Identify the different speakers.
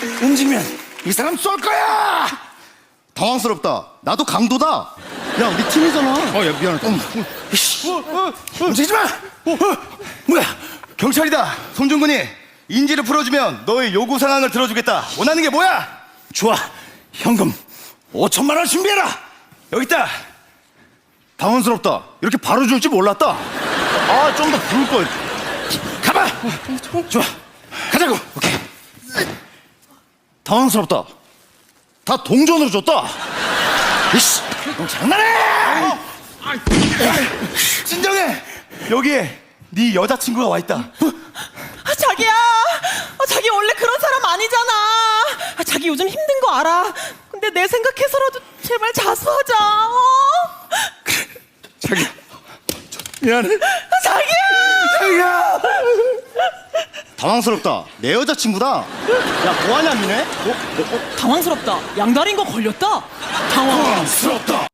Speaker 1: 움직이면 이 사람 쏠 거야.
Speaker 2: 당황스럽다. 나도 강도다. 야, 우리 팀이잖아.
Speaker 1: 야, 미안하다. 움직이지 마. 뭐야?
Speaker 2: 경찰이다. 손준근이 인지를 풀어주면 너의 요구 상황을 들어주겠다. 원하는 게 뭐야?
Speaker 1: 좋아. 현금 5천만 원 준비해라. 여기 있다.
Speaker 2: 당황스럽다. 이렇게 바로 줄 줄 몰랐다. 아, 좀 더 부를 걸.
Speaker 1: 가봐. 좋아. 가자고.
Speaker 2: 오케이. 당황스럽다. 다 동전으로 줬다.
Speaker 1: 이씨, 너 장난해?
Speaker 2: 진정해. 여기에 네 여자친구가 와 있다.
Speaker 3: 자기야, 자기 원래 그런 사람 아니잖아. 자기 요즘 힘든 거 알아. 근데 내 생각해서라도 제발 자수하자.
Speaker 1: 자기야, 미안해.
Speaker 3: 자기야.
Speaker 1: 자기야.
Speaker 2: 당황스럽다. 내 여자친구다. 야, 뭐하냐, 니네?
Speaker 3: 당황스럽다. 양다리인 거 걸렸다. 당황.
Speaker 1: 당황스럽다.